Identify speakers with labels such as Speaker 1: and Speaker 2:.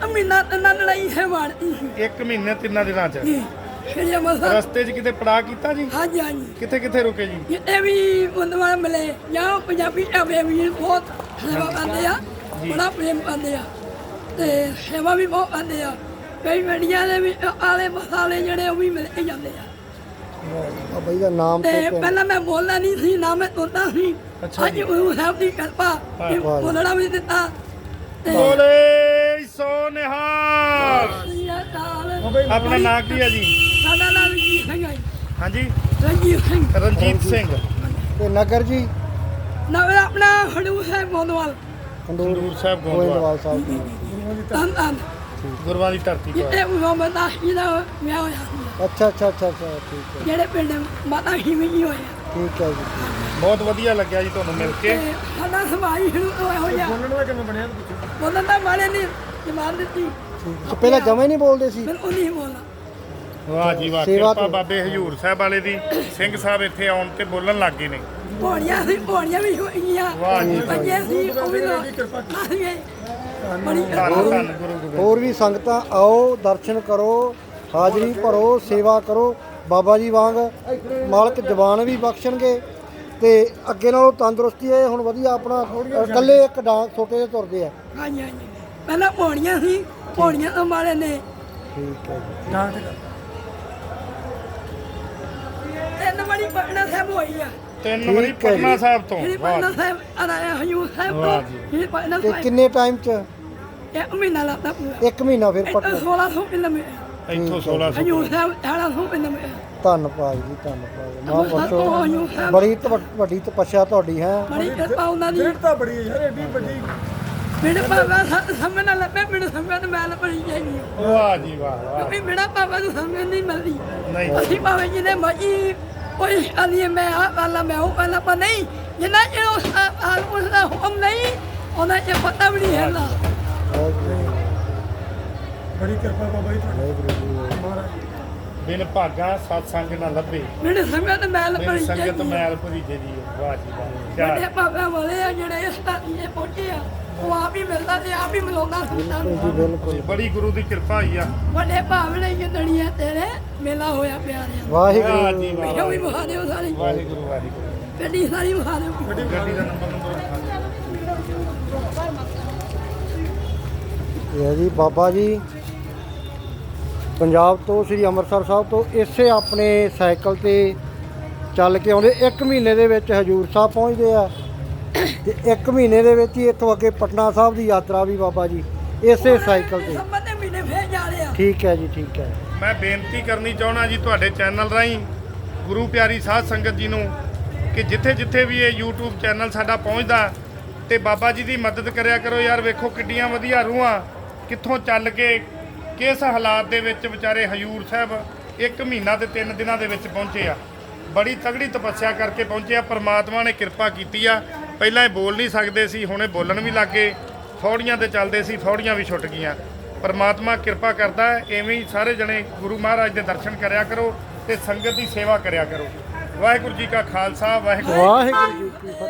Speaker 1: ਮਹੀਨਾ ਤਿੰਨਾਂ ਲੜਾਈ ਹੈ ਵਾਰਤੀ ਸੀ
Speaker 2: 1 ਮਹੀਨੇ 3 ਦਿਨਾਂ ਚ
Speaker 1: ਸ਼੍ਰੀ ਅੰਮ੍ਰਿਤਸਰ
Speaker 2: ਰਸਤੇ 'ਚ ਕਿਤੇ ਪੜਾ ਕੀਤਾ ਜੀ?
Speaker 1: ਹਾਂਜੀ ਹਾਂਜੀ
Speaker 2: ਕਿੱਥੇ ਕਿੱਥੇ ਰੁਕੇ ਜੀ?
Speaker 1: ਜਿੱਤੇ ਵੀ ਬੰਦਵਾਰ ਮਿਲੇ ਜਾਂ ਪੰਜਾਬੀ ਢਾਬੇ ਵੀ ਬਹੁਤ ਸੇਵਾ ਕਰਦੇ ਆ ਬੜਾ ਪ੍ਰੇਮ ਕਰਦੇ ਆ ਤੇ ਸੇਵਾ ਵੀ ਬਹੁਤ ਕਰਦੇ ਆ ਕਈ ਮੀਡੀਆ ਦੇ ਵੀ ਆਲੇ ਮਸਾਲੇ ਜਿਹੜੇ ਉਹ ਵੀ ਮਿਲ ਕੇ ਜਾਂਦੇ ਆ
Speaker 3: ਬਾਬਾ ਜੀ ਦਾ ਨਾਮ
Speaker 1: ਤੇ ਪਹਿਲਾਂ ਮੈਂ ਬੋਲਣਾ ਨਹੀਂ ਸੀ ਨਾ ਮੈਂ ਤੋਤਾ ਸੀ
Speaker 2: ਅੱਛਾ
Speaker 1: ਅੱਜ ਗੁਰੂ ਸਾਹਿਬ ਦੀ ਕਿਰਪਾ ਕਿ ਬੋਲਣਾ ਵੀ ਦਿੱਤਾ ਤੇ
Speaker 2: ਬੋਲੇ ਸੋ ਨਿਹਾਲ। ਆਪਣਾ ਨਾਂ ਕੀ ਹੈ ਜੀ?
Speaker 1: ਸਾਡਾ ਨਾਮ ਰਣਜੀਤ ਸਿੰਘ ਹੈ ਜੀ।
Speaker 2: ਹਾਂਜੀ
Speaker 1: ਰਣਜੀਤ ਸਿੰਘ
Speaker 2: ਰਣਜੀਤ ਸਿੰਘ।
Speaker 3: ਤੇ ਨਗਰ ਜੀ
Speaker 1: ਨਾ ਆਪਣਾ ਖਡੂਰ ਸਾਹਿਬ ਗੋਂਦਵਾਲ
Speaker 2: ਖਡੂਰ ਸਾਹਿਬ
Speaker 3: ਗੋਇੰਦਵਾਲ ਸਾਹਿਬ ਜੀ।
Speaker 1: ਧੰਨ ਧੰਨ
Speaker 2: ਗੁਰੂਆਂ ਦੀ ਧਰਤੀ ਤੋਂ
Speaker 1: ਜਿੱਤੇ ਮੁਹੰਮਦ ਦਾਸ ਦਾ ਵਿਆਹ ਹੋਇਆ ਸੀ
Speaker 3: ਅੱਛਾ ਠੀਕ ਹੈ
Speaker 1: ਜਿਹੜੇ ਪਿੰਡ ਮਾਤਾ ਹਿਮੀ ਜੀ ਹੋਇਆ
Speaker 3: ਠੀਕ ਹੈ ਜੀ।
Speaker 2: ਬਹੁਤ ਵਧੀਆ ਲੱਗਿਆ ਜੀ ਤੁਹਾਨੂੰ ਮਿਲ ਕੇ।
Speaker 1: ਤੇ ਸਾਡਾ ਸਮਾਜ ਸ਼ੁਰੂ ਹੋ ਗਿਆ
Speaker 2: ਬੋਲਣ ਦਾ ਕਿਵੇਂ ਬਣਿਆ?
Speaker 1: ਬੋਲਣ ਦਾ ਮਾਰੇ ਨੇ ਜਮਾਨ ਦਿੱਤੀ
Speaker 3: ਤੇ ਪਹਿਲਾਂ ਜਮਾ ਹੀ ਨਹੀਂ ਬੋਲਦੇ ਸੀ?
Speaker 1: ਬਿਲਕੁਲ ਨਹੀਂ ਬੋਲਣਾ
Speaker 2: ਵਾਹ ਜੀ ਵਾਹ,
Speaker 3: ਸੇਵਾ
Speaker 2: ਕਿਰਪਾ
Speaker 3: ਤੋਂ।
Speaker 2: ਬਾਬੇ ਹਜੂਰ ਸਾਹਿਬ ਵਾਲੇ ਦੀ। ਸਿੰਘ ਸਾਹਿਬ ਇੱਥੇ ਆਉਣ ਤੇ ਬੋਲਣ ਲੱਗ ਗਏ ਨੇ।
Speaker 1: ਪੌੜੀਆਂ ਵੀ ਹੋਈਆਂ
Speaker 2: ਵਾਹ ਜੀ।
Speaker 1: ਬੱਚੇ ਸੀ ਉਹ ਵੀ ਕਿਰਪਾ ਬੜੀ
Speaker 2: ਧੰਨ ਧੰਨ ਗੁਰੂ ਗੋਬਿੰਦ।
Speaker 3: ਹੋਰ ਵੀ ਸੰਗਤਾਂ ਆਓ, ਦਰਸ਼ਨ ਕਰੋ, ਹਾਜ਼ਰੀ ਭਰੋ, ਸੇਵਾ ਕਰੋ। ਬਾਬਾ ਜੀ ਵਾਂਗ ਮਾਲਕ ਜਵਾਨ ਵੀ ਬਖਸ਼ਣਗੇ ਤੇ ਅੱਗੇ ਨਾਲੋਂ ਤੰਦਰੁਸਤੀ ਹੈ ਹੁਣ ਵਧੀਆ। ਆਪਣਾ ਇਕੱਲੇ ਇੱਕ ਡਾਂਗ ਛੋਟੇ ਜਿਹੇ ਤੁਰਦੇ ਆ।
Speaker 1: ਹਾਂਜੀ ਹਾਂਜੀ ਪਹਿਲਾਂ ਪੌੜੀਆਂ ਸੀ ਪੌੜੀਆਂ ਤੋਂ ਮਾਰੇ ਨੇ
Speaker 3: ਠੀਕ ਹੈ ਜੀ।
Speaker 1: ਤਿੰਨ ਵਾਰੀ ਪਟਨਾ ਸਾਹਿਬ ਹੋਈ ਆ
Speaker 2: 3 ਵਾਰੀ ਪਟਨਾ ਸਾਹਿਬ ਤੋਂ।
Speaker 1: ਸ਼੍ਰੀ
Speaker 2: ਵਾਹ
Speaker 1: ਪਟਨਾ
Speaker 2: ਜੀ।
Speaker 1: ਸਾਹਿਬ ਆਇਆ ਹਜੂਰ ਸਾਹਿਬ
Speaker 2: ਵਾਹ
Speaker 1: ਤੋਂ
Speaker 2: ਜੀ।
Speaker 1: ਸ਼੍ਰੀ ਪਟਨਾ
Speaker 3: ਤੇ
Speaker 1: ਸਾਹਿਬ
Speaker 3: ਕਿੰਨੇ ਟਾਈਮ ਚ?
Speaker 1: ਇੱਕ ਮਹੀਨਾ ਲੱਗਦਾ ਪੂਰਾ
Speaker 3: 1 ਮਹੀਨਾ ਫਿਰ
Speaker 1: ਇੱਥੋਂ
Speaker 3: ਪਟਨਾ।
Speaker 1: 1600 ਕਿਲੋਮੀਟਰ
Speaker 2: ਇੱਥੋਂ 1600
Speaker 1: ਹਜੂਰ ਸਾਹਿਬ 1800 ਕਿਲੋਮੀਟਰ
Speaker 3: ਧੰਨਵਾਦ ਜੀ ਧੰਨਵਾਦ। ਮਾਂ
Speaker 1: ਉਹ
Speaker 3: ਬਖਸ਼ੋ,
Speaker 1: ਹਜੂਰ ਸਾਹਿਬ
Speaker 3: ਬੜੀ ਵੱਡੀ ਤਪੱਸਿਆ ਤੁਹਾਡੀ ਹੈ।
Speaker 1: ਬੜੀ ਕਿਰਪਾ ਉਹਨਾਂ ਦੀ
Speaker 4: ਤਾਂ ਬੜੀ ਹੈ ਯਾਰ ਏਡੀ ਵੱਡੀ।
Speaker 1: ਮੇਰੇ ਬਾਬਾ ਸਮਝ ਨਾ ਲੱਭੇ ਮੈਨੂੰ ਸਮਝ ਤੇ ਮੈਂ ਲੱਭਣੀ ਚਾਹੀਦੀ ਆ
Speaker 2: ਵਾਹ ਜੀ ਵਾਹ ਵਾਹ।
Speaker 1: ਕਿਉਂਕਿ ਮੇਰਾ ਬਾਬਾ ਨੂੰ ਸਮਝ ਨਹੀਂ ਮਿਲਦੀ
Speaker 2: ਨਹੀਂ।
Speaker 1: ਅਸੀਂ ਭਾਵੇਂ ਜਿਹਨੇ ਮਰਜੀ ਕੋਈ ਆਲੀ ਮੈਂ ਆ ਵਾਲਾ ਮੈਂ ਉਹ ਵਾਲਾ ਪਰ ਨਹੀਂ ਜਿੰਨਾ ਚਿਰ ਉਸ ਹਾਲ ਉਸਦਾ ਹੁਕਮ ਨਹੀਂ ਉਹਨਾਂ ਚ ਪਤਾ ਵੀ ਨਹੀਂ ਹੈਗਾ
Speaker 4: ਬੜੀ ਕਿਰਪਾ ਬਾਬਾ ਜੀ ਤੁਹਾਡੀ। ਮਹਾਰਾਜ
Speaker 2: ਬਿਨ ਭਾਗਾ ਸਤਸੰਗ ਨਾ ਲੱਭੇ,
Speaker 1: ਮੇਰੇ ਸਮਝ ਤੇ ਮੈਂ
Speaker 2: ਬਿਨ
Speaker 1: ਲੱਭਣੀ
Speaker 2: ਸੰਗਤ
Speaker 1: ਚਾਹੀਦੀ
Speaker 2: ਮੈਲ ਭਰੀਜੇ ਦੀ। ਵਾਹ ਜੀ ਵਾਹ।
Speaker 1: ਵੱਡੇ ਬਾਬਾ ਵਾਲੇ ਆ ਜਿਹੜੇ ਇਸ ਧਰਤੀ ਪਹੁੰਚੇ ਆ ਉਹ ਆਪ ਹੀ ਮਿਲਦਾ ਤੇ ਆਪ ਹੀ ਮਿਲਾਉਂਦਾ ਸੰਤਾਂ
Speaker 3: ਜੀ
Speaker 1: ਨੂੰ
Speaker 3: ਬਿਲਕੁਲ।
Speaker 2: ਬੜੀ ਗੁਰੂ ਦੀ ਕਿਰਪਾ ਹੋਈ ਆ।
Speaker 1: ਵੱਡੇ ਭਾਵਨੇ ਜੰਦੜੀਆਂ ਤੇਰੇ ਮੇਲਾ ਹੋਇਆ ਪਿਆਰਿਆ
Speaker 2: ਵਾਹ
Speaker 3: ਵਾਹਿਗੁਰੂ
Speaker 2: ਜੀ ਵਾਹ।
Speaker 1: ਇਹੋ ਵੀ ਬਹਾ ਦਿਓ ਸਾਰੀ
Speaker 2: ਵਾਹਿਗੁਰੂ ਵਾਹਿਗੁਰੂ।
Speaker 1: ਗੱਡੀ ਸਾਰੀ ਬਹਾ ਦਿਓ
Speaker 2: ਗੱਡੀ ਦਾ ਨੰਬਰ
Speaker 3: ਇਹ ਹੈ ਜੀ ਬਾਬਾ ਜੀ ਪੰਜਾਬ ਤੋਂ ਸ੍ਰੀ ਅੰਮ੍ਰਿਤਸਰ ਸਾਹਿਬ ਤੋਂ ਇਸੇ ਆਪਣੇ ਸਾਈਕਲ ਤੇ ਚੱਲ ਕੇ ਆਉਂਦੇ 1 ਮਹੀਨੇ ਦੇ ਵਿੱਚ ਹਜੂਰ ਸਾਹਿਬ ਪਹੁੰਚਦੇ ਆ ਤੇ 1 ਮਹੀਨੇ ਦੇ ਵਿੱਚ ਹੀ ਇੱਥੋਂ ਅੱਗੇ ਪਟਨਾ ਸਾਹਿਬ ਦੀ ਯਾਤਰਾ ਵੀ ਬਾਬਾ ਜੀ ਇਸੇ ਸਾਈਕਲ ਤੇ।
Speaker 1: ਸੰਬੰਧ ਦੇ ਮਹੀਨੇ ਫੇਰ ਜਾ ਰਹੇ ਆ
Speaker 3: ਠੀਕ ਹੈ ਜੀ ਠੀਕ ਹੈ।
Speaker 2: ਮੈਂ ਬੇਨਤੀ ਕਰਨੀ ਚਾਹਣਾ ਜੀ ਤੁਹਾਡੇ ਚੈਨਲ ਰਾਹੀਂ ਗੁਰੂ ਪਿਆਰੀ ਸਾਧ ਸੰਗਤ ਜੀ ਨੂੰ ਕਿ ਜਿੱਥੇ ਜਿੱਥੇ ਵੀ ਇਹ YouTube ਚੈਨਲ ਸਾਡਾ ਪਹੁੰਚਦਾ ਤੇ ਬਾਬਾ ਜੀ ਦੀ ਮਦਦ ਕਰਿਆ ਕਰੋ ਯਾਰ। ਵੇਖੋ ਕਿੱਡੀਆਂ ਵਧੀਆ ਰੂਹਾਂ ਕਿੱਥੋਂ ਚੱਲ ਕੇ ਕਿਸ ਹਾਲਾਤ ਦੇ ਵਿੱਚ ਵਿਚਾਰੇ ਹਜੂਰ ਸਾਹਿਬ 1 ਮਹੀਨਾ ਤੇ 3 ਦਿਨਾਂ ਦੇ ਵਿੱਚ ਪਹੁੰਚੇ ਆ। ਬੜੀ ਤਗੜੀ ਤਪੱਸਿਆ ਕਰਕੇ ਪਹੁੰਚੇ ਆ। ਪਰਮਾਤਮਾ ਨੇ ਕਿਰਪਾ ਕੀਤੀ ਆ। ਪਹਿਲਾਂ ਇਹ ਬੋਲ ਨਹੀਂ ਸਕਦੇ ਸੀ, ਹੁਣ ਇਹ ਬੋਲਣ ਵੀ ਲੱਗੇ। ਫੌੜੀਆਂ ਤੇ ਚੱਲਦੇ ਸੀ, ਫੌੜੀਆਂ ਵੀ ਛੁੱਟ ਗਈਆਂ। ਪਰਮਾਤਮਾ ਕਿਰਪਾ ਕਰਦਾ ਹੈ। ਐਵੇਂ ਹੀ ਸਾਰੇ ਜਣੇ ਗੁਰੂ ਮਹਾਰਾਜ ਦੇ ਦਰਸ਼ਨ ਕਰਿਆ ਕਰੋ ਤੇ ਸੰਗਤ ਦੀ ਸੇਵਾ ਕਰਿਆ ਕਰੋ। ਵਾਹਿਗੁਰੂ ਜੀ ਕਾ ਖਾਲਸਾ, ਵਾਹਿਗੁਰੂ
Speaker 3: ਵਾਹਿਗੁਰੂ ਜੀ ਕੀ ਫਤਿਹ।